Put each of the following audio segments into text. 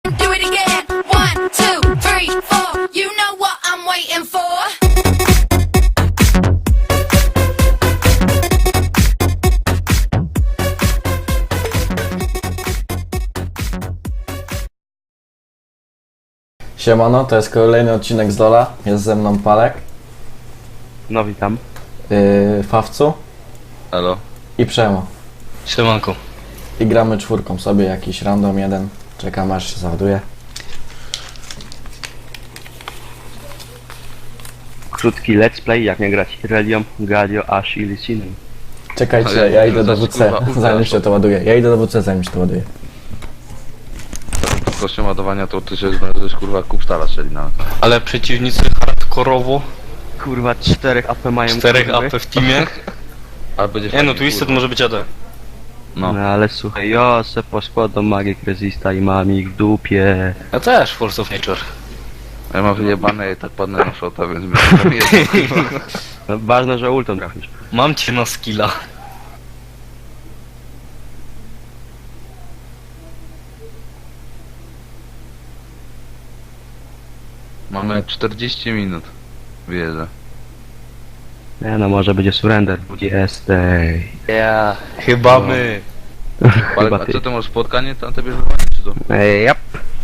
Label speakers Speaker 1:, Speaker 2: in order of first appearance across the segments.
Speaker 1: Do it again. 1, 2, 3, 4. You know what I'm waiting for.
Speaker 2: Siemano, to jest kolejny odcinek z Lola. Jest ze mną Palek,
Speaker 3: No witam.
Speaker 2: Fawcu
Speaker 4: Halo.
Speaker 2: i Przemo.
Speaker 4: Siemanko.
Speaker 2: I gramy czwórką sobie, jakiś random jeden. Czekam aż się załaduje.
Speaker 3: Krótki let's play, jak nie grać Relią, Galio, Ash i Licinem.
Speaker 2: Czekajcie,
Speaker 4: Ale
Speaker 2: ja idę do
Speaker 4: zaś,
Speaker 2: WC,
Speaker 4: kurwa,
Speaker 2: zanim się to ładuje. Ja idę do WC, zanim się to ładuje.
Speaker 4: Kosztem ładowania to ty się znajdziesz kurwa kupstara strzelina.
Speaker 5: Ale przeciwnicy hardkorowo,
Speaker 3: Kurwa, 4 AP mają
Speaker 5: 4
Speaker 3: kurwy.
Speaker 5: AP w teamie.
Speaker 4: Ale będzie
Speaker 5: Nie no,
Speaker 4: fajnie,
Speaker 5: Twisted
Speaker 4: kurwa.
Speaker 5: może być AD.
Speaker 4: No.
Speaker 3: No ale słuchaj, ja se poskładam Magic Resista i mam ich w dupie.
Speaker 5: Ja też, Force of Nature.
Speaker 4: Ja mam wyjebane i tak padnę na shota, więc mi jedno.
Speaker 3: No, ważne, że ultą trafisz.
Speaker 5: Mam cię na skilla.
Speaker 4: Mamy 40 minut. Wyjeżdżę.
Speaker 3: Nie no, może będzie surrender. Jesteś.
Speaker 5: Ja, chyba my.
Speaker 3: Chyba
Speaker 4: A
Speaker 3: ty.
Speaker 4: co ty masz spotkanie tam tobie wywołanie czy to?
Speaker 3: Jap.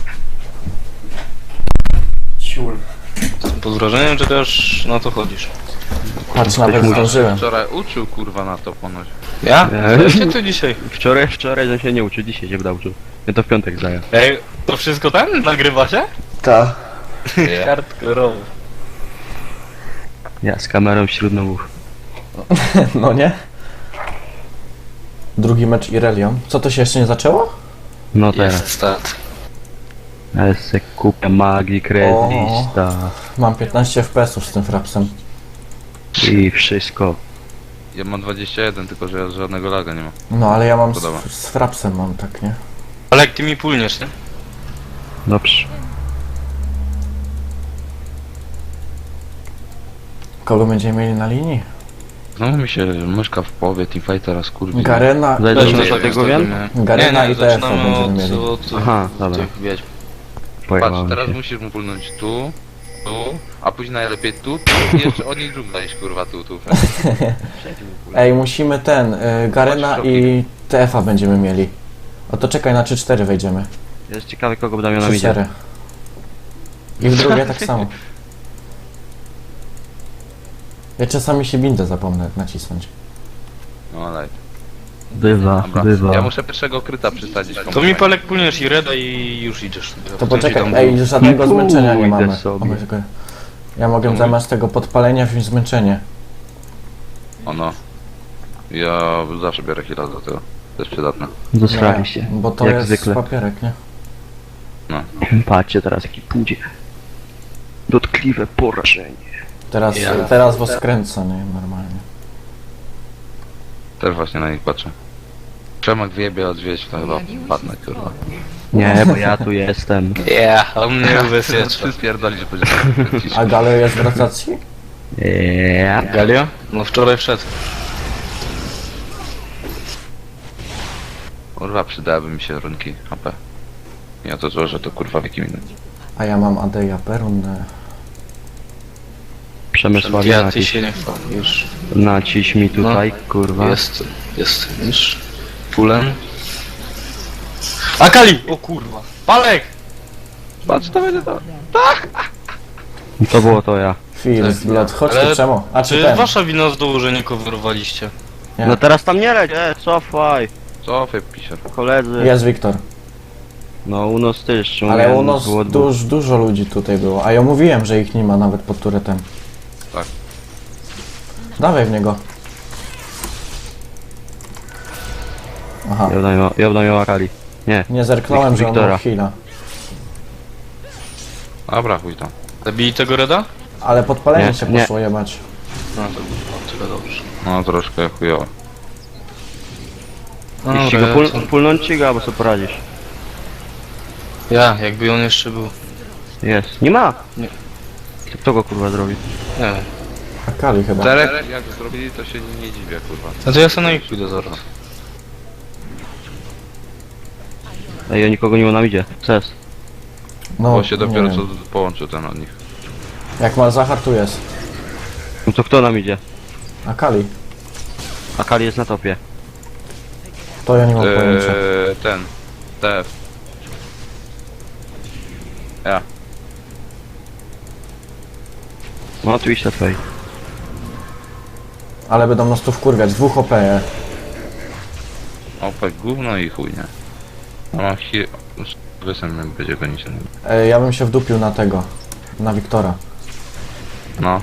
Speaker 2: Ciul.
Speaker 5: Pod wrażeniem, że też na to chodzisz.
Speaker 2: Patrz, nawet
Speaker 3: musi-
Speaker 2: zdążyłem.
Speaker 4: Wczoraj uczył kurwa na to ponoć.
Speaker 5: Ja?
Speaker 3: Nie.
Speaker 5: Ja się tu dzisiaj.
Speaker 3: Wczoraj że się nie uczył, dzisiaj się będę uczył. Ja to w piątek zajął.
Speaker 5: Ej, to wszystko ten nagrywa się?
Speaker 2: Ta.
Speaker 5: Hardkorowo.
Speaker 3: Ja z kamerą wśród nowów.
Speaker 2: No nie? Drugi mecz Irelią. Co, to się jeszcze nie zaczęło?
Speaker 3: No teraz.
Speaker 5: Jest start.
Speaker 3: Ja se kupię Magic Resista
Speaker 2: Mam 15 FPS-ów z tym frapsem.
Speaker 3: i wszystko.
Speaker 4: Ja mam 21, tylko że ja żadnego laga nie mam.
Speaker 2: No ale ja mam
Speaker 4: Podoba.
Speaker 2: z frapsem mam, tak, nie?
Speaker 5: Ale jak ty mi pulniesz, nie?
Speaker 3: Dobrze.
Speaker 2: Kogo będziemy mieli na linii?
Speaker 4: Znowu mi się myszka w połowie teamfightera skurwi.
Speaker 2: Garena,
Speaker 3: Zajdziemy
Speaker 5: Też
Speaker 3: do
Speaker 5: nie
Speaker 3: tego
Speaker 5: wiem,
Speaker 3: wiem?
Speaker 2: Garena
Speaker 5: nie,
Speaker 2: i TF
Speaker 5: zaczynamy
Speaker 2: będziemy mieli.
Speaker 5: od
Speaker 3: Aha, dobra.
Speaker 5: tych wiedźm.
Speaker 4: Patrz,
Speaker 3: Pojechałem
Speaker 4: teraz
Speaker 3: się.
Speaker 4: musisz mu pulnąć tu, a później najlepiej tu i jeszcze oni dżungla iść kurwa tu.
Speaker 2: Ej, musimy Garena
Speaker 4: Chodź,
Speaker 2: i TF-a będziemy mieli. O to czekaj, na 3-4 wejdziemy.
Speaker 3: Jest ciekawy, kogo będą miał na midzie.
Speaker 2: 3-4. I w drugie tak samo. Ja czasami się bindę zapomnę nacisnąć.
Speaker 4: No ale.
Speaker 3: Bywa,
Speaker 4: Dobra.
Speaker 3: bywa.
Speaker 4: Ja muszę pierwszego kryta przysadzić.
Speaker 5: To mi Palek pulniesz i Reda i już idziesz.
Speaker 2: To
Speaker 5: Potem ci
Speaker 2: poczekaj,
Speaker 5: tam
Speaker 2: ej, żadnego zmęczenia nie
Speaker 3: Pójdę
Speaker 2: mamy.
Speaker 3: sobie.
Speaker 2: O mój Boże. Ja mogę zamiast tego podpalenia wziąć zmęczenie.
Speaker 4: Ono. Ja zawsze biorę heal'a do tego. To jest przydatne.
Speaker 3: Zasrali się.
Speaker 2: Bo to
Speaker 3: Jak
Speaker 2: jest
Speaker 3: zwykle.
Speaker 2: papierek, nie?
Speaker 3: Patrzcie teraz jaki pójdzie. Dotkliwe porażenie.
Speaker 2: Teraz was kręcę, nie? Normalnie.
Speaker 4: Też właśnie na nich patrzę. Przemek wyjebie odwieźć, to chyba padnę kurwa.
Speaker 3: Nie, bo ja tu jestem.
Speaker 5: Yeah, on mnie ubezpiecza.
Speaker 4: Ty spierdolisz, że będziesz
Speaker 2: A Galio jest w rotacji?
Speaker 3: Ja.
Speaker 5: Galio? No wczoraj wszedł.
Speaker 4: Kurwa, przydałyby mi się runki HP. Ja to złożę, to kurwa w jakim innym.
Speaker 2: A ja mam Adeja Perun.
Speaker 3: Przemysławie
Speaker 5: Ja ty
Speaker 3: naciś.
Speaker 5: się nie chwal, już.
Speaker 3: Naciś mi tutaj, kurwa.
Speaker 5: Jest, już. Pulem. Akali! O kurwa. Palek!
Speaker 4: Patrz, to będzie to.
Speaker 3: To było to ja.
Speaker 2: First Blood, chodź
Speaker 5: Ale
Speaker 2: tu Przemo. A czy
Speaker 5: Czy
Speaker 2: ten?
Speaker 5: wasza wina z dołu, że nie coverowaliście?
Speaker 2: Nie.
Speaker 3: No teraz tam nie leć, cofaj.
Speaker 4: Cofaj, pisior.
Speaker 3: Koledzy.
Speaker 2: Jest Wiktor.
Speaker 3: No u nas też.
Speaker 2: Ale
Speaker 3: mówiłem,
Speaker 2: u nas
Speaker 3: było dwóch.
Speaker 2: dużo ludzi tutaj było. A ja mówiłem, że ich nie ma nawet pod turetem.
Speaker 4: Tak.
Speaker 2: Dawaj w niego. Aha.
Speaker 3: Ja będę miał Akali. Nie.
Speaker 2: Nie zerknąłem, że on
Speaker 3: Wiktora.
Speaker 2: ma heala.
Speaker 4: Dobra, chuj tam.
Speaker 5: Zabili tego Reda?
Speaker 2: Ale podpalenie
Speaker 3: Nie,
Speaker 2: się
Speaker 3: nie.
Speaker 2: poszło jebać.
Speaker 5: No to było tyle dobrze.
Speaker 4: No troszkę chujowo.
Speaker 3: Jeśli go pulnąć ci go, albo sobie poradzisz.
Speaker 5: Ja, jakby on jeszcze był.
Speaker 3: Jest. Nie ma!
Speaker 5: Nie.
Speaker 3: Kto go kurwa zrobi?
Speaker 5: Nie wiem.
Speaker 2: Akali chyba.
Speaker 4: Czterech jak zrobili, to się nie dziwię, kurwa.
Speaker 5: No to ja sobie na nich pójdę zaraz.
Speaker 3: Ej, ja nikogo nie ma na midzie. Co jest?
Speaker 2: No,
Speaker 4: Bo się dopiero
Speaker 2: nie
Speaker 4: co
Speaker 2: wiem.
Speaker 4: połączył ten od nich.
Speaker 2: Jak Malzahar tu jest.
Speaker 3: No to kto nam idzie?
Speaker 2: Akali.
Speaker 3: Akali jest na topie.
Speaker 2: To ja nie mam pojęcia.
Speaker 4: Ten. TF. Ja.
Speaker 3: No tu iść na twojej.
Speaker 2: Ale będą nas tu wkurwiać. 2 OP.
Speaker 4: Opek gówno i chuj, nie? A mam wysem będzie gonić.
Speaker 2: Ja bym się wdupił na tego. Na Wiktora.
Speaker 4: No.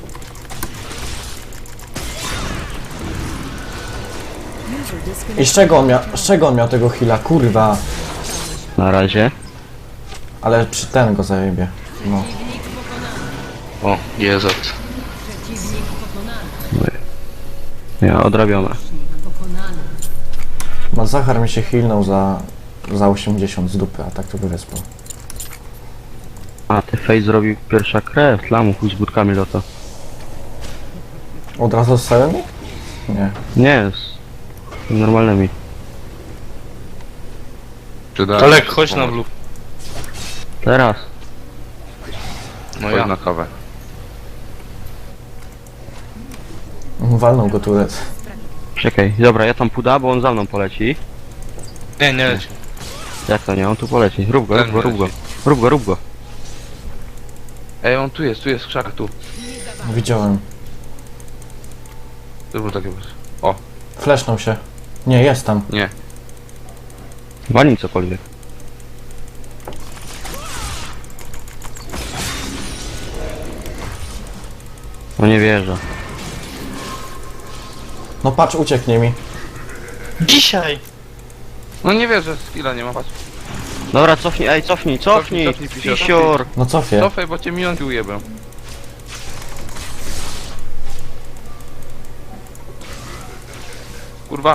Speaker 2: I z czego on miał tego heala? Kurwa.
Speaker 3: Na razie.
Speaker 2: Ale przy ten go zajebie. No.
Speaker 5: O, GZ.
Speaker 3: Ja odrabiamy.
Speaker 2: Malzahar mi się healnął za 80 z dupy, a tak to by wyspał.
Speaker 3: A ty Face zrobił pierwsza krew, tlamu chuj z budkami lota.
Speaker 2: Od razu z całymi? Nie.
Speaker 3: Nie, z normalnymi.
Speaker 5: Olek, chodź na blue.
Speaker 3: Teraz.
Speaker 5: No
Speaker 4: Chodź
Speaker 5: ja.
Speaker 4: na kawę.
Speaker 2: Walnął go turet.
Speaker 3: Czekaj, dobra, ja tam puda, bo on za mną poleci.
Speaker 5: Nie, nie leci.
Speaker 3: Jak to nie, on tu poleci. Rób go,
Speaker 4: Ten
Speaker 3: rób go, rób go.
Speaker 4: leci.
Speaker 3: Rób go, rób go.
Speaker 4: Ej, on tu jest krzak, tu.
Speaker 2: Widziałem.
Speaker 4: To było takie...
Speaker 2: Flashnął się. Nie, jest tam.
Speaker 4: Nie.
Speaker 3: Walnij cokolwiek. No nie wierzę.
Speaker 2: No patrz, ucieknie mi.
Speaker 5: Dzisiaj!
Speaker 4: No nie wierzę, skilla nie ma, patrz.
Speaker 3: Dobra, cofnij, ej, cofnij,
Speaker 4: Cofnij,
Speaker 3: cofnij!
Speaker 4: pisior,
Speaker 3: Pisior!
Speaker 2: No cofie.
Speaker 4: Cofaj, bo cię minionki ujebę. Kurwa.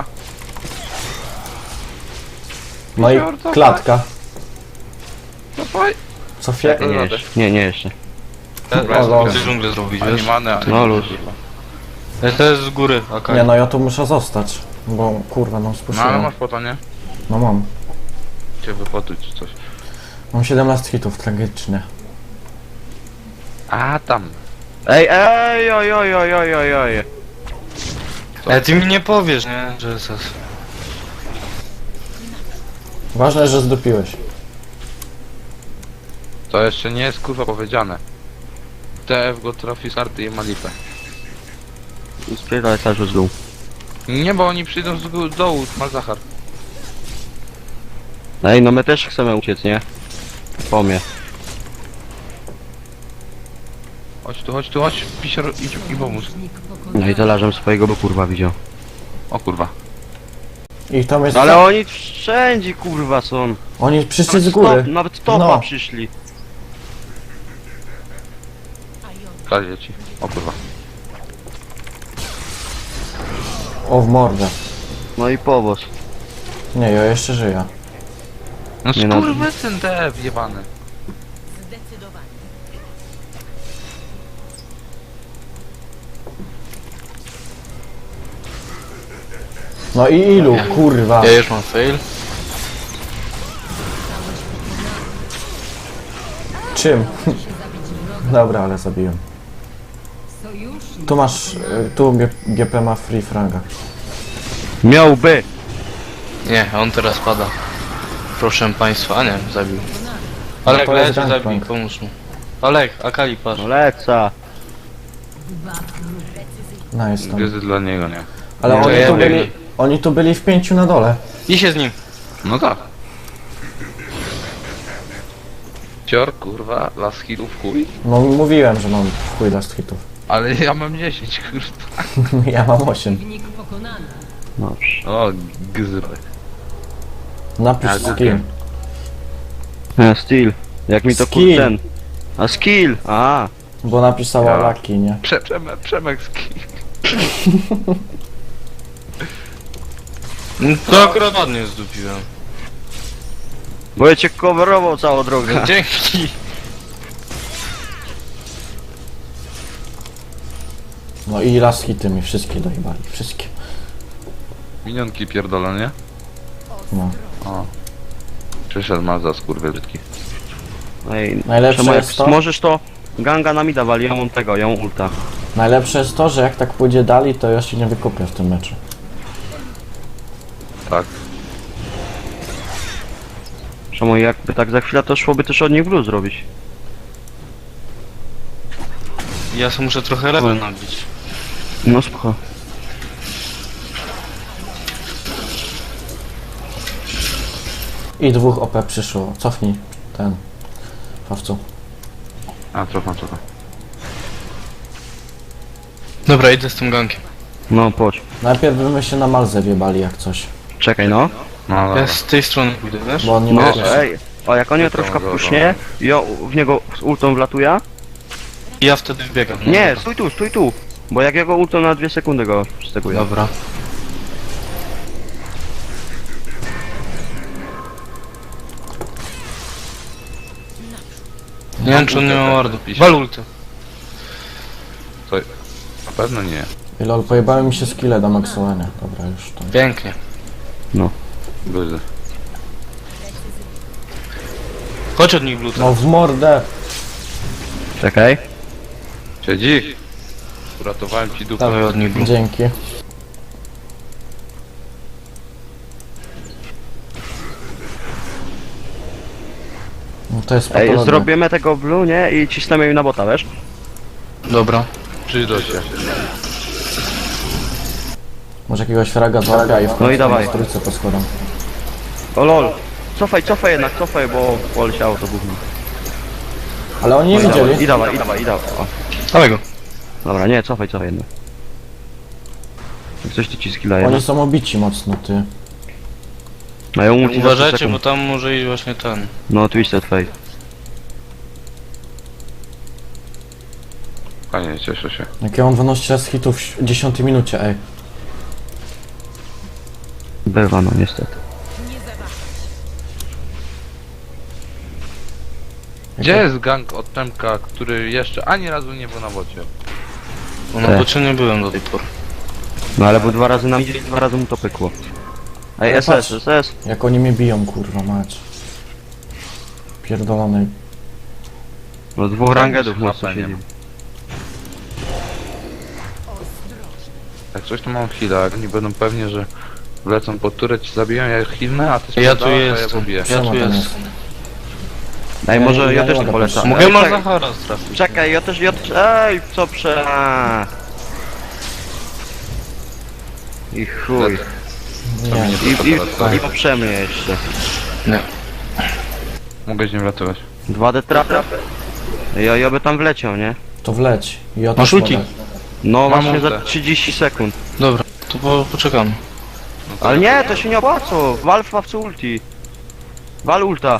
Speaker 2: No i
Speaker 4: Pisior, cofaj.
Speaker 2: klatka.
Speaker 4: Cofaj.
Speaker 2: Cofie.
Speaker 3: Nie, jeszcze. Nie, jeszcze.
Speaker 5: Ja
Speaker 2: O,
Speaker 5: chcę dżunglę zrobić,
Speaker 4: Ani
Speaker 5: wiesz?
Speaker 4: manę, ani...
Speaker 3: No luz.
Speaker 5: To jest z góry, Akali.
Speaker 2: Nie no, ja tu muszę zostać. Bo kurwa, no
Speaker 4: No ale
Speaker 2: spuściłem.
Speaker 4: masz po to, nie?
Speaker 2: No mam.
Speaker 4: Cię wypotuć czy coś.
Speaker 2: Mam 17 hitów, tragicznie.
Speaker 4: A tam.
Speaker 3: Ej, ej, oj, oj, oj, oj, oj, oj.
Speaker 5: Ty mi nie powiesz, nie? Że jest...
Speaker 2: Ważne, że zdupiłeś.
Speaker 4: To jeszcze nie jest kurwa powiedziane. TF go trafi z karty i ma lipę.
Speaker 3: Spierdalaj cały z dół.
Speaker 4: Nie, bo oni przyjdą z dołu, Malzahar.
Speaker 3: Ej, no my też chcemy uciec, nie? Po mnie.
Speaker 4: Chodź tu, chodź. Pisior, idź i pomóż.
Speaker 3: No i dolarzem swojego, bo kurwa widział.
Speaker 4: O kurwa.
Speaker 2: I tam jest...
Speaker 3: Ale oni wszędzie kurwa są.
Speaker 2: Oni przyszli z góry.
Speaker 3: Nawet topa
Speaker 2: No.
Speaker 3: przyszli.
Speaker 4: Kradnie ci. O kurwa.
Speaker 2: O, w mordę.
Speaker 3: No i powóz.
Speaker 2: Nie, ja jeszcze żyję.
Speaker 4: No
Speaker 3: Nie no.
Speaker 4: skurwysyn TF jebany.
Speaker 2: No i ilu, kurwa.
Speaker 5: Ja już mam fail.
Speaker 2: Czym? Dobra, ale zabiłem. Tu masz... Tu GP ma free fraga.
Speaker 3: Miałby.
Speaker 5: Nie, on teraz pada. Proszę państwa, a nie, zabił. Olek,
Speaker 2: to jest
Speaker 5: leci, zabij,
Speaker 2: gangplank.
Speaker 5: pomóż mu. Olek, Akali, patrz.
Speaker 3: No leca.
Speaker 2: Nice tam.
Speaker 4: Gryzy dla niego, nie?
Speaker 2: Ale
Speaker 5: Nie, to
Speaker 2: oni
Speaker 5: ja
Speaker 2: tu
Speaker 5: wiem.
Speaker 2: byli... Oni tu byli w 5 na dole.
Speaker 5: I się z nim.
Speaker 4: No tak. Cior, kurwa, las hitów chuj.
Speaker 2: No mówiłem, że mam w chuj last hitów.
Speaker 4: Ale ja mam 10, kurwa.
Speaker 2: Ja mam 8.
Speaker 3: Dobrze.
Speaker 4: O, gzyry.
Speaker 2: Napisz
Speaker 4: Ja
Speaker 2: skill.
Speaker 4: kupię.
Speaker 3: Steel. Jak mi to
Speaker 2: Skill.
Speaker 3: ten. A skill! A.
Speaker 2: Bo napisała
Speaker 4: Ja.
Speaker 2: Laki, nie?
Speaker 4: Przemek ski.
Speaker 5: No, to akurat ładnie zdupiłem.
Speaker 3: Bo ja cię coverował całą drogę.
Speaker 5: Dzięki.
Speaker 2: No i last hity mi wszystkie dojebali. Wszystkie.
Speaker 4: Minionki pierdolę, nie?
Speaker 2: No.
Speaker 4: O. Przyszedł Mazda, skurwy brzydki.
Speaker 3: Ej,
Speaker 2: Najlepsze
Speaker 3: Przemek,
Speaker 2: jest to-
Speaker 3: możesz to ganga na mida wali, ja mam tego, ja mam ulta.
Speaker 2: Najlepsze jest to, że jak tak pójdzie dalej, to ja się nie wykupię w tym meczu.
Speaker 4: Tak.
Speaker 3: Przemo jakby tak za chwilę to szłoby też od nich blue zrobić.
Speaker 5: Ja sobie muszę trochę level nabić.
Speaker 3: No spoko.
Speaker 2: I dwóch OP przyszło. Cofnij ten. Pawcu.
Speaker 4: A, cofam.
Speaker 5: Dobra, idę z tym gankiem.
Speaker 3: No chodź.
Speaker 2: Najpierw byśmy się na Malzę wjebali jak coś.
Speaker 3: Czekaj no.
Speaker 4: No dobra.
Speaker 5: Ja z tej strony pójdę, wiesz?
Speaker 2: Bo on nie
Speaker 3: No
Speaker 2: może.
Speaker 3: ej. O jak on je troszkę
Speaker 4: Dobra,
Speaker 3: pusznie, ja w niego z ultą wlatuję.
Speaker 5: I ja wtedy wbiegam. No
Speaker 3: Nie,
Speaker 5: dobra.
Speaker 3: stój tu. Bo jak jego ultą na 2 sekundy go przysteguję.
Speaker 5: Dobra. Nie wiem, czy on nie ma wardu. Wal ulty.
Speaker 4: To... Na pewno nie.
Speaker 2: I lol, pojebały mi się skille do maksowania. Dobra, już to.
Speaker 5: Pięknie.
Speaker 4: Luzy.
Speaker 5: Chodź od nich bluta.
Speaker 2: No w mordę!
Speaker 3: Czekaj.
Speaker 4: Siedzi! Uratowałem ci dupę.
Speaker 5: Dawaj od nich bluta.
Speaker 2: Dzięki. No to jest
Speaker 3: Ej,
Speaker 2: patologia.
Speaker 3: zrobimy tego blue, nie? I cisnemy im na bota, wiesz?
Speaker 5: Dobra.
Speaker 4: Przyjdą się.
Speaker 2: Może jakiegoś fraga złapia i w
Speaker 3: No i dawaj.
Speaker 2: trójce po schodom.
Speaker 3: O lol. Cofaj jednak, bo poleciało to gówno.
Speaker 2: Ale oni nie
Speaker 3: No i dawaj,
Speaker 2: widzieli.
Speaker 3: i dawaj. O.
Speaker 5: Dawaj go.
Speaker 3: Dobra, nie, cofaj jednak. Jak coś ty ci skilla jedna.
Speaker 2: Oni są obici mocno, ty.
Speaker 3: Mają ulti za 100
Speaker 5: Uważajcie,
Speaker 3: sekund.
Speaker 5: bo tam może iść właśnie ten.
Speaker 3: No, Twisted Fate.
Speaker 4: Fajnie, cieszę się.
Speaker 2: Jak ja mam 12 raz hitów w 10 minucie, ej.
Speaker 3: Bywa, no niestety.
Speaker 4: Gdzie jest gang od Temka, który jeszcze ani razu nie był na wodzie?
Speaker 5: Bo na bocie nie byłem do tej pory.
Speaker 3: No ale bo 2 razy nam idzie i 2 razy mu to pykło. Ej,
Speaker 2: Ale
Speaker 3: SS,
Speaker 2: patrz.
Speaker 3: SS.
Speaker 2: Jak oni mnie biją, kurwa mać. Pierdolony.
Speaker 3: No 2 rangedów
Speaker 4: Chyba
Speaker 3: mocno
Speaker 4: nie
Speaker 3: siedzi.
Speaker 4: ma. Jak coś to mam chwilę, jak oni będą pewnie, że wlecą pod turę, ci zabiją, ja ich hilnę, a ty
Speaker 5: Ja tu
Speaker 4: spierdalasz, a ja
Speaker 5: jestem.
Speaker 4: pobiję.
Speaker 5: Ja
Speaker 2: Siema,
Speaker 5: tu
Speaker 2: tam
Speaker 5: jestem.
Speaker 3: Ej, może
Speaker 2: Ja
Speaker 3: ja
Speaker 2: nie
Speaker 3: też nie
Speaker 2: mogę
Speaker 3: polecam.
Speaker 2: patrzeć.
Speaker 5: Mogę
Speaker 3: Ej,
Speaker 5: na
Speaker 3: czekaj,
Speaker 5: Zachara trafić.
Speaker 3: czekaj, ja też, ej, co prze... I chuj.
Speaker 2: Nie.
Speaker 3: I poprzemy jeszcze.
Speaker 5: Nie.
Speaker 4: Mogę z nim ratować.
Speaker 3: 2D trapy? Ja by tam wleciał, nie?
Speaker 2: To wleć. I o
Speaker 5: Masz ulti?
Speaker 3: No
Speaker 4: Mam
Speaker 3: właśnie za
Speaker 4: ultę.
Speaker 3: 30 sekund.
Speaker 5: Dobra, to poczekamy.
Speaker 4: No to
Speaker 3: Ale nie, to się nie opłaca. Wal w ławcu ulti. Wal ulta.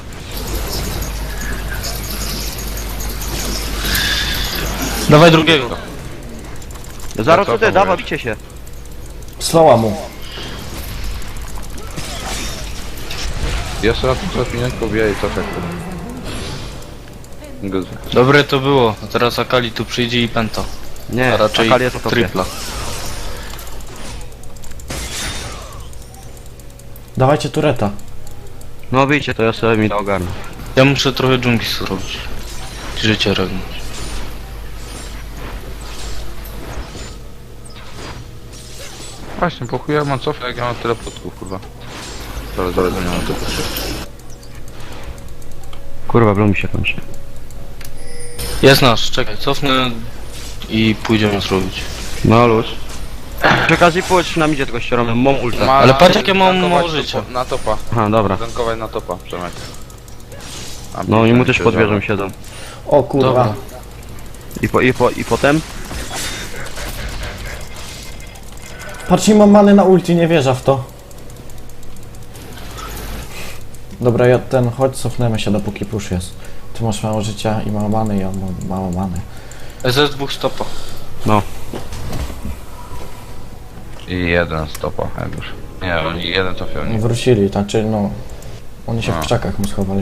Speaker 5: Dawaj drugiego.
Speaker 3: Zaro
Speaker 4: co
Speaker 3: co ty,
Speaker 4: to
Speaker 3: dawaj,
Speaker 4: mówisz?
Speaker 3: bicie się.
Speaker 2: Slowa mu.
Speaker 4: Jeszcze raz muszę pieniądz pobiję i co tak. Guzy.
Speaker 5: Dobre to było. A teraz Akali tu przyjdzie i penta.
Speaker 3: Nie,
Speaker 5: A raczej
Speaker 3: Akali jest w topie.
Speaker 5: tripla.
Speaker 2: Dawajcie tureta.
Speaker 3: No wyjdzie, to ja sobie mi to ogarnę.
Speaker 5: Ja muszę trochę dżungli zrobić. Życie regnąć.
Speaker 4: Właśnie, po chuj ja mam cofę, jak ja mam tyle podków, kurwa. Zaraz nie mam to.
Speaker 3: Kurwa, blue mi się kończy.
Speaker 5: Jest nasz, czekaj, cofnę i pójdziemy zrobić.
Speaker 3: No luz. Przy okazji pójdź na midzie tylko ścieramy, mam ulta.
Speaker 5: Ale patrz, jakie mam
Speaker 4: gankować
Speaker 5: mało
Speaker 4: to
Speaker 5: życia.
Speaker 4: Na topa.
Speaker 3: Aha, dobra.
Speaker 4: Gankować na topa, Przemek. A
Speaker 3: No i mu
Speaker 4: mi
Speaker 3: też
Speaker 4: się
Speaker 3: pod wieżą
Speaker 4: żal.
Speaker 3: siedzą.
Speaker 2: O kurwa.
Speaker 5: Dobra.
Speaker 3: I potem?
Speaker 2: Patrz, nie mam many na ulti, nie wierzę w to. Dobra, ja chodź, cofnemy się dopóki push jest. Ty masz mało życia i mało many, ja mam mało many.
Speaker 5: SS dwóch stopa.
Speaker 3: No.
Speaker 4: I jeden stopa, jak już. Nie, oni jeden trafią.
Speaker 2: Nie
Speaker 4: Nie.
Speaker 2: wrócili, znaczy no... Oni się
Speaker 4: A.
Speaker 2: w krzakach mu schowali.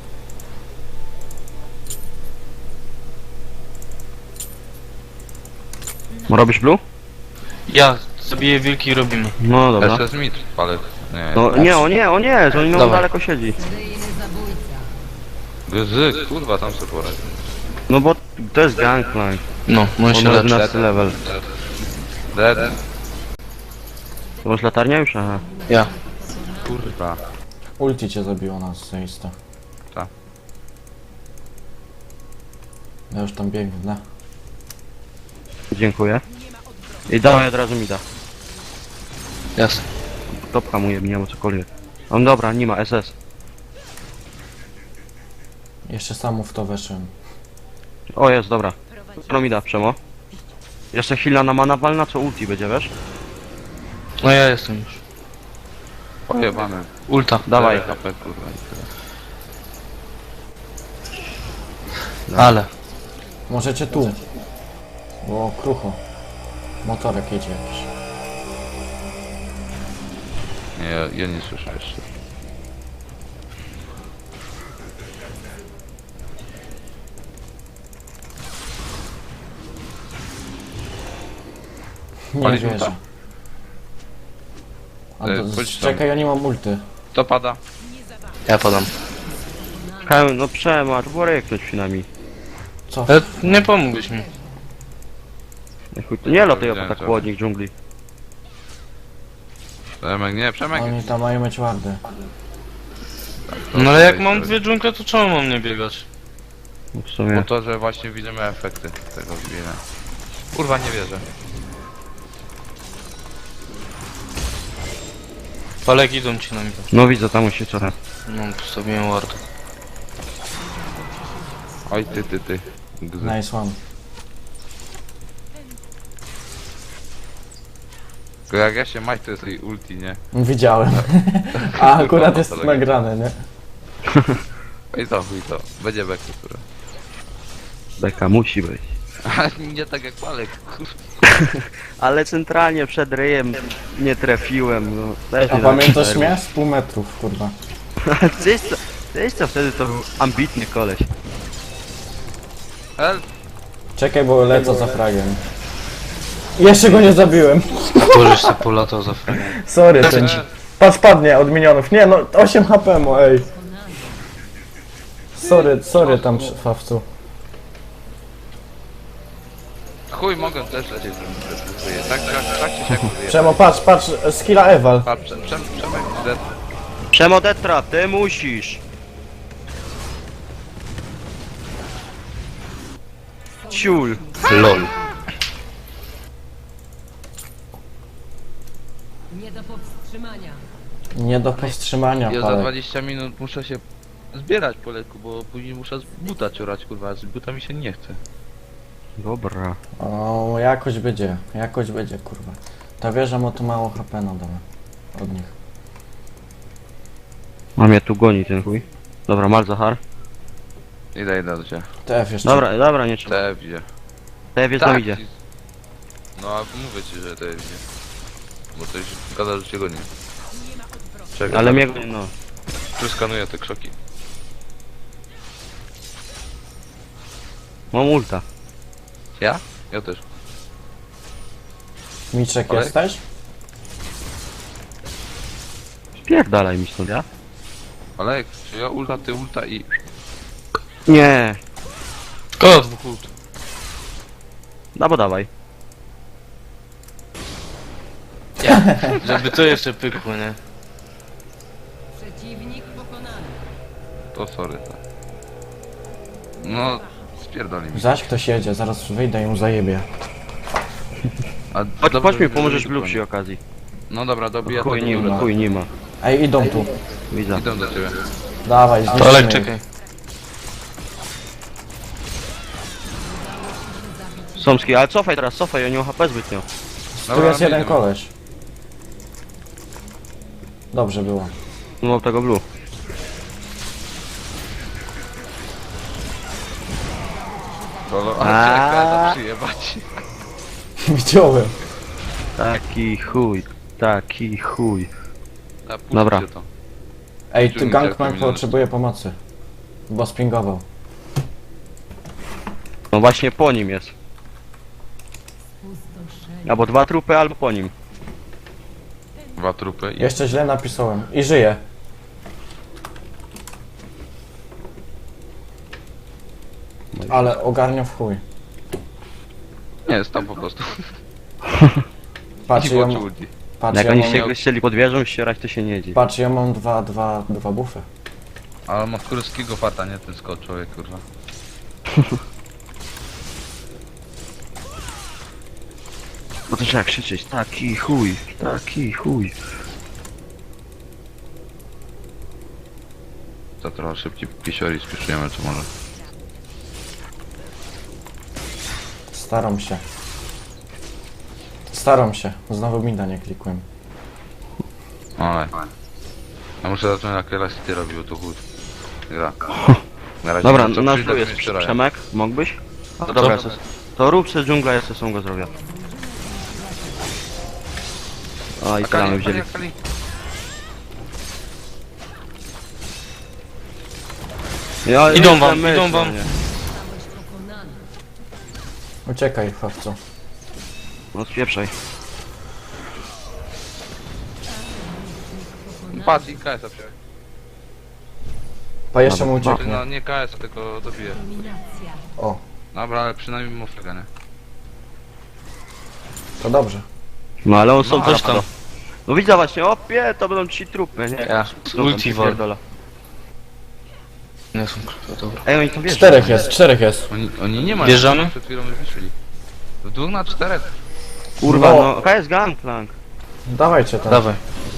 Speaker 3: Robisz blue?
Speaker 5: Ja zabiję wilki i robimy.
Speaker 3: No dobra.
Speaker 4: SS mid, palek. Nie,
Speaker 3: No nie, o nie, oni mogą
Speaker 5: Dawaj.
Speaker 3: daleko siedzi.
Speaker 4: Gzyk, kurwa, tam sobie poradzi.
Speaker 3: No bo to jest Gangplank.
Speaker 5: No, on się
Speaker 3: On ma
Speaker 5: leczy.
Speaker 3: 11 level.
Speaker 4: Dead.
Speaker 3: To masz latarnia już? Aha.
Speaker 5: Ja.
Speaker 4: Kurwa.
Speaker 2: Ulti cię zabiło na seista.
Speaker 4: Tak.
Speaker 2: Ja już tam biegnę.
Speaker 3: Dziękuję. I dawaj od razu mi da.
Speaker 5: Jasne.
Speaker 3: Topka mu jebnie, albo cokolwiek. On dobra, nie ma SS.
Speaker 2: Jeszcze sam w to weszłem.
Speaker 3: O jest, dobra. No mi da, Przemo. Jeszcze chwila na mana walna, co ulti będzie, wiesz?
Speaker 5: No ja jestem już.
Speaker 4: Pojebane.
Speaker 5: Ulta.
Speaker 3: Dawaj.
Speaker 4: HP, kurwa. i tyle.
Speaker 5: Ale.
Speaker 2: Możecie tu. Bo krucho. Motorek jedzie jakiś.
Speaker 4: Nie, ja nie słyszę jeszcze.
Speaker 2: Nie
Speaker 4: Paliśmy
Speaker 2: wierzę.
Speaker 4: to?
Speaker 2: A
Speaker 4: Chodź tam.
Speaker 2: czekaj, ja nie mam multy.
Speaker 4: To pada.
Speaker 5: Ja podam.
Speaker 3: No Przemo, to było ryknąć przynajmniej.
Speaker 2: Co?
Speaker 5: Nie pomógłbyś mi.
Speaker 3: Nie latuję po tak chłodnik dżungli.
Speaker 4: Przemek, nie, Przemek.
Speaker 2: Oni tam mają mieć wardy.
Speaker 5: No ale jak mam dwie dżungle, to czemu mam nie biegać?
Speaker 3: No w
Speaker 4: Po
Speaker 3: sumie.
Speaker 4: to, że właśnie widzimy efekty tego zbienia. Kurwa, nie wierzę.
Speaker 5: Palek idą ci na mnie.
Speaker 3: No widzę, tam musi coraz.
Speaker 5: No, postawiłem ward.
Speaker 4: Oj, ty. Gzyk.
Speaker 2: Nice one.
Speaker 4: Tylko jak ja się mać, to jest jej ulti, nie?
Speaker 2: Widziałem. A akurat jest
Speaker 4: Tylko
Speaker 2: nagrane, nie?
Speaker 4: I to, chuj to. Będzie beku, które.
Speaker 3: Beka musi być.
Speaker 4: Ale nie tak jak Palek, kurwa.
Speaker 3: Ale centralnie przed ryjem nie trafiłem, no. Też
Speaker 2: A
Speaker 3: nie
Speaker 2: pamiętasz
Speaker 3: tak
Speaker 2: mnie? Z pół metrów, kurwa.
Speaker 3: Wiesz co, wtedy to był ambitny koleś.
Speaker 4: Help!
Speaker 2: Czekaj, bo lecę za fragiem. Jeszcze go nie zabiłem.
Speaker 5: Pożeś se polatał za fragiem.
Speaker 2: Sorry, ten. Patrz, padnie od minionów. Nie, no 8 HP mu, ej. Sorry tam, Fawcu.
Speaker 4: Chuj, mogę też lecieć, żebym żyje. Tak czy siak żyje.
Speaker 2: Przemo, patrz, skilla Eval.
Speaker 4: Patrz, Przemek, dead.
Speaker 3: Przemo Detra, ty musisz! Ciul!
Speaker 5: LOL.
Speaker 6: Nie do powstrzymania.
Speaker 2: Nie do powstrzymania,
Speaker 4: Ja za
Speaker 2: palek.
Speaker 4: 20 minut muszę się zbierać po leku, bo później muszę z buta ciorać, kurwa, a z buta mi się nie chce.
Speaker 3: Dobra.
Speaker 2: O, jakoś będzie, kurwa. Ta wieża ma tu mało HP na dole. Od nich.
Speaker 3: Mam je tu goni ten chuj. Dobra, mal Zachar.
Speaker 4: Idę do ciebie.
Speaker 2: TF jeszcze.
Speaker 3: Dobra, nie trzeba.
Speaker 4: TF idzie.
Speaker 3: Te wiesz, tam idzie.
Speaker 4: No a mówię ci, że TF idzie. Bo coś gada, że cię goni. Czekaj,
Speaker 3: Ale mnie no.
Speaker 4: Przeskanuję te krzoki.
Speaker 3: Mam ulta.
Speaker 4: Ja? Ja też.
Speaker 2: Miczek
Speaker 4: Ale-
Speaker 2: jesteś?
Speaker 3: Spierdalaj mi stąd, ja?
Speaker 4: Ale czy ja ulta, ty ulta i...
Speaker 3: Nie.
Speaker 5: Koło dwóch ult.
Speaker 3: No bo dawaj.
Speaker 5: Żeby to jeszcze pykło, nie?
Speaker 6: Przeciwnik pokonany.
Speaker 4: To sorry. To. No, spierdoli mi.
Speaker 2: Zaś ktoś jedzie, zaraz wyjdę i mu zajebie.
Speaker 4: A
Speaker 3: Chodź
Speaker 4: dobrze,
Speaker 3: mi,
Speaker 4: że
Speaker 3: pomożesz
Speaker 4: nie
Speaker 3: Blue
Speaker 4: koniec.
Speaker 3: przy okazji.
Speaker 4: No dobra, dobiję
Speaker 3: Chuj
Speaker 4: to
Speaker 3: nie ma, chuj nie ma.
Speaker 2: Ej, idą tu.
Speaker 3: Widzę.
Speaker 4: Idę do ciebie.
Speaker 2: Dawaj,
Speaker 5: Palek,
Speaker 2: zniszczymy ich.
Speaker 5: czekaj.
Speaker 3: Somski, ale cofaj teraz, cofaj, ja nie mam HP zbytnio.
Speaker 2: Tu jest
Speaker 4: my
Speaker 2: jeden
Speaker 4: idziemy.
Speaker 2: koleś. Dobrze było.
Speaker 3: Nie mam tego Blue.
Speaker 4: Kolo,
Speaker 3: A.
Speaker 4: ale czekaj, to przyjebać.
Speaker 2: Widziałem.
Speaker 3: Taki chuj.
Speaker 4: A, puśćcie
Speaker 3: Dobra.
Speaker 4: To.
Speaker 2: Ej,
Speaker 4: Czy
Speaker 2: ty
Speaker 4: mi
Speaker 2: Gangplank
Speaker 4: tak to
Speaker 2: potrzebuje pomocy. Bo spingował.
Speaker 3: No właśnie po nim jest.
Speaker 6: Pustoszenie.
Speaker 3: Albo dwa trupy, albo po nim.
Speaker 4: 2 trupy i...
Speaker 2: Jeszcze źle napisałem. I żyje. Ale ogarnia w chuj.
Speaker 4: Nie, jest tam po prostu.
Speaker 2: Patrz,
Speaker 4: I
Speaker 2: ja,
Speaker 4: włączył ulti.
Speaker 2: patrz,
Speaker 3: Jak
Speaker 2: ja
Speaker 3: oni
Speaker 2: mam,
Speaker 3: się chcieli pod wieżą ścierać, to się nie dzieje.
Speaker 2: patrz, ja mam dwa buffy.
Speaker 4: Ale ma kurskiego farta, nie ten skok człowiek, kurwa.
Speaker 3: No to trzeba krzyczeć, taki chuj, taki chuj.
Speaker 4: To trochę szybciej pisiori spieszujemy, czy może.
Speaker 2: Staram się. Znowu mida nie klikłem.
Speaker 4: Ale. Ja muszę zacząć jak Elasty robił, to chód. Gra. Na razie
Speaker 3: Dobra,
Speaker 4: nie wiem, co
Speaker 3: nasz
Speaker 4: przyjdę,
Speaker 3: tu
Speaker 4: to
Speaker 3: jest
Speaker 4: mnie wczoraj.
Speaker 3: Przemek, mógłbyś? No dobra, to rób se dżungla, ja se sam go zrobię. O, i tyle wzięli.
Speaker 4: Akali.
Speaker 3: Ja
Speaker 5: Idą
Speaker 3: myślę,
Speaker 5: wam,
Speaker 3: myślę,
Speaker 5: idą wam.
Speaker 3: nie.
Speaker 6: Zostałeś pokonany.
Speaker 2: Uciekaj, chłopcu.
Speaker 3: No spieprzaj.
Speaker 4: Patrz i KS-a przyjął.
Speaker 2: Pa jeszcze mu
Speaker 3: Dobra,
Speaker 2: ucieknie.
Speaker 4: No nie KS, tylko dobiję.
Speaker 6: Dominacja.
Speaker 2: O,
Speaker 4: Dobra, ale przynajmniej mu flagę, nie?
Speaker 2: to dobrze.
Speaker 3: No ale on są
Speaker 5: Coś tam.
Speaker 3: No widzę właśnie, opie, to będą ci trupy, nie?
Speaker 5: Ja,
Speaker 3: Trupem
Speaker 5: ulti
Speaker 3: się
Speaker 5: wal.
Speaker 3: pierdolę.
Speaker 5: Nie są krótko, dobra.
Speaker 3: Ej, oni tam wiedzą.
Speaker 2: Czterech jest.
Speaker 4: Oni nie mają.
Speaker 5: Wjeżdżamy?
Speaker 4: Przed chwilą już wyszli. W 2 na 4.
Speaker 3: Kurwa,
Speaker 2: No.
Speaker 3: no, KS Gangplank.
Speaker 2: Dawajcie to.
Speaker 5: Dawaj.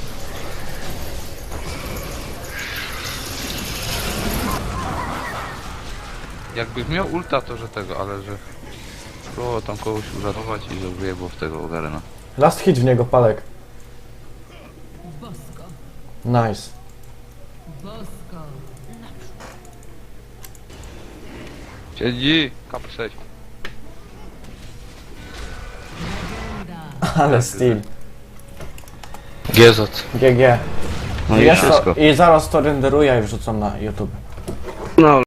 Speaker 4: Jakby miał ulta, to że tego, ale że... Próbował tam kogoś uratować i że wyjebło w tego Garena.
Speaker 2: Last hit w niego, Palek.
Speaker 6: Bosko.
Speaker 2: Nice.
Speaker 6: Bosko.
Speaker 4: Siedzi! K6.
Speaker 6: Legenda.
Speaker 2: Ale steal.
Speaker 5: GZ.
Speaker 2: GG.
Speaker 3: No i
Speaker 2: Jest to,
Speaker 3: wszystko.
Speaker 2: I zaraz to renderuję i wrzucam na YouTube.
Speaker 3: No,